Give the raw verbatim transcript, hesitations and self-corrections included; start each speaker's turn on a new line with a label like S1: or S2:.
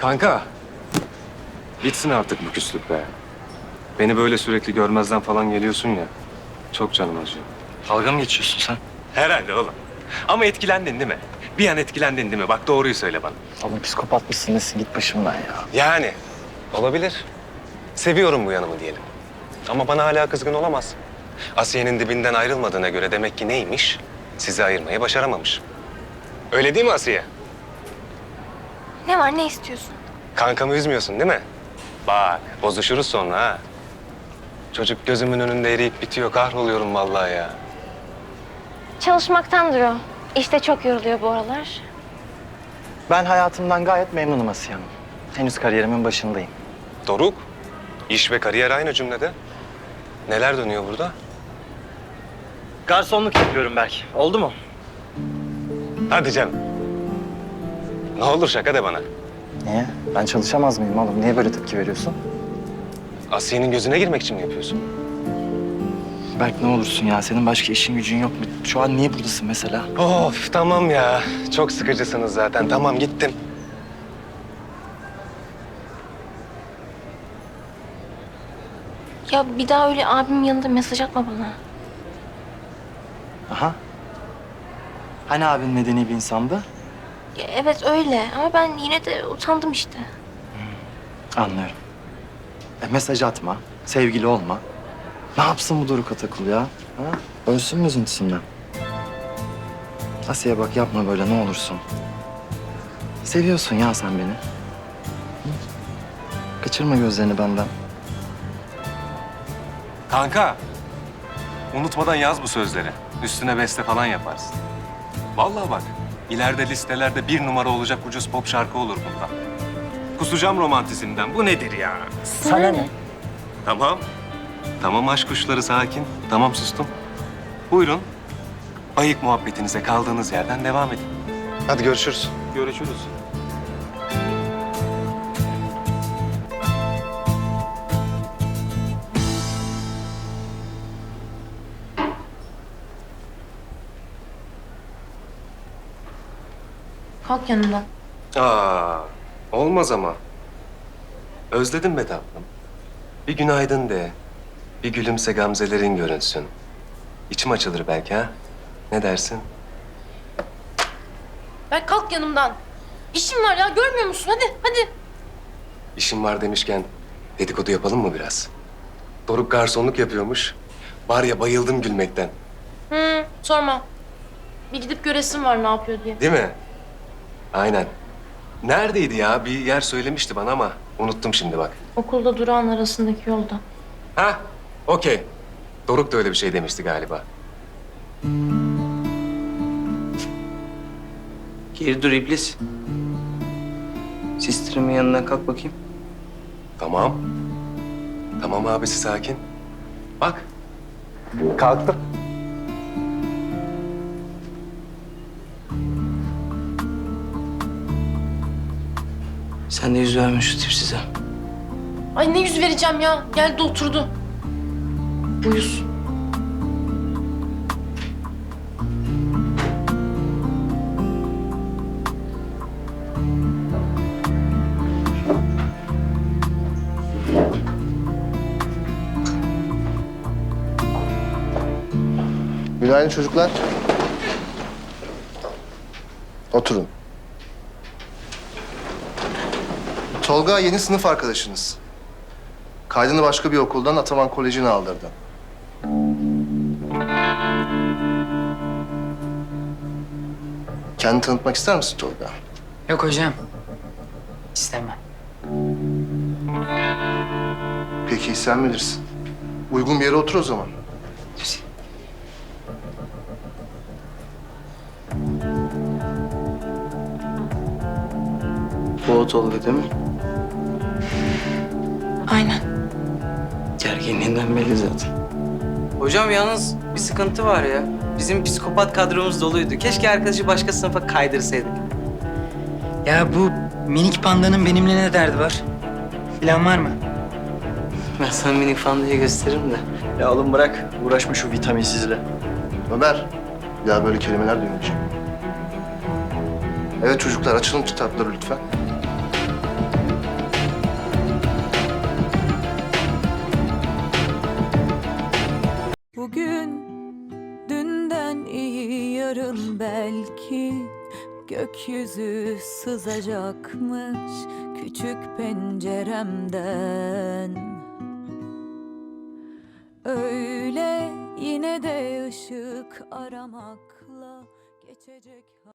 S1: Kanka, bitsin artık bu küslük be. Beni böyle sürekli görmezden falan geliyorsun ya. Çok canım acıyor.
S2: Dalga mı geçiyorsun sen?
S1: Herhalde oğlum. Ama etkilendin değil mi? Bir an etkilendin değil mi? Bak doğruyu söyle bana.
S2: Oğlum psikopat mısın nesin? Git başımdan ya.
S1: Yani. Olabilir. Seviyorum bu yanımı diyelim. Ama bana hala kızgın olamaz. Asiye'nin dibinden ayrılmadığına göre demek ki neymiş? Sizi ayırmayı başaramamış. Öyle değil mi Asiye?
S3: Ne var, ne istiyorsun?
S1: Kankamı üzmüyorsun değil mi? Bak, bozuşuruz sonra ha. Çocuk gözümün önünde eriyip bitiyor. Kahroluyorum vallahi ya.
S3: Çalışmaktandır o. İşte çok yoruluyor bu aralar.
S2: Ben hayatımdan gayet memnunum Asiye Hanım. Henüz kariyerimin başındayım.
S1: Doruk, iş ve kariyer aynı cümlede. Neler dönüyor burada?
S2: Garsonluk yapıyorum belki. Oldu mu?
S1: Hadi canım. Ne olur şaka de bana.
S2: Niye? Ben çalışamaz mıyım oğlum? Niye böyle tepki veriyorsun?
S1: Asiye'nin gözüne girmek için mi yapıyorsun?
S2: Berk ne olursun ya. Senin başka işin gücün yok mu? Şu an niye buradasın mesela?
S1: Of tamam ya. Çok sıkıcısınız zaten. Tamam gittim.
S3: Ya bir daha öyle abimin yanında mesaj atma bana.
S2: Aha. Hani abin medeni bir insandı?
S3: Ya evet öyle ama ben yine de utandım işte.
S2: Anlıyorum. E, mesaj atma, sevgili olma. Ne yapsın bu Doruk Atakul ya? Ha? Ölsün mü üzüntüsünden? Asiye bak yapma böyle ne olursun. Seviyorsun ya sen beni. Hı? Kaçırma gözlerini benden.
S1: Kanka, unutmadan yaz bu sözleri. Üstüne beste falan yaparsın. Vallahi bak, ileride listelerde bir numara olacak ucuz pop şarkı olur bundan. Kusacağım romantizmden. Bu nedir ya?
S3: Sana ne?
S1: Tamam. Tamam aşk kuşları sakin. Tamam sustum. Buyurun. Bayık muhabbetinize kaldığınız yerden devam edin. Hadi görüşürüz. Görüşürüz.
S3: Kalk yanımdan.
S1: Aa, olmaz ama. Özledim be tatlım. Bir günaydın de. Bir gülümse gamzelerin görünsün. İçim açılır belki ha. Ne dersin?
S4: Ben kalk yanımdan. İşim var ya görmüyor musun? Hadi hadi.
S1: İşim var demişken dedikodu yapalım mı biraz? Doruk garsonluk yapıyormuş. Var ya bayıldım gülmekten.
S4: Hı, sorma. Bir gidip göresim var ne yapıyor diye.
S1: Değil mi? Aynen. Neredeydi ya? Bir yer söylemişti bana ama unuttum şimdi bak.
S4: Okulda durağın arasındaki yolda.
S1: Ha, okey. Doruk da öyle bir şey demişti galiba.
S5: Geri dur iblis. Sister'imin yanına kalk bakayım.
S1: Tamam. Tamam abisi sakin. Bak. Kalktım.
S5: Sen de yüz verme şu tipsize.
S4: Ay ne yüz vereceğim ya. Geldi oturdu. Uyuz.
S6: Günaydın çocuklar. Oturun. Tolga yeni sınıf arkadaşınız. Kaydını başka bir okuldan Ataman Koleji'ne aldırdı. Kendini tanıtmak ister misin Tolga?
S7: Yok hocam. İstemem.
S6: Peki sen bilirsin. Uygun bir yere otur o zaman.
S5: Bu o Tolga değil mi?
S7: Aynen.
S5: Gerginliğinden belli zaten. Hocam yalnız bir sıkıntı var ya. Bizim psikopat kadromuz doluydu. Keşke arkadaşı başka sınıfa kaydırsaydık.
S7: Ya bu minik pandanın benimle ne derdi var? Plan var mı?
S5: Ben sana minik fan diye gösteririm de.
S2: Ya oğlum bırak. Uğraşma şu vitaminsizle.
S6: Ömer, bir daha böyle kelimeler duymayacağım. Evet çocuklar açılın kitapları lütfen.
S8: yarın belki gökyüzü sızacakmış küçük penceremden. Öyle yine de ışık aramakla geçecek.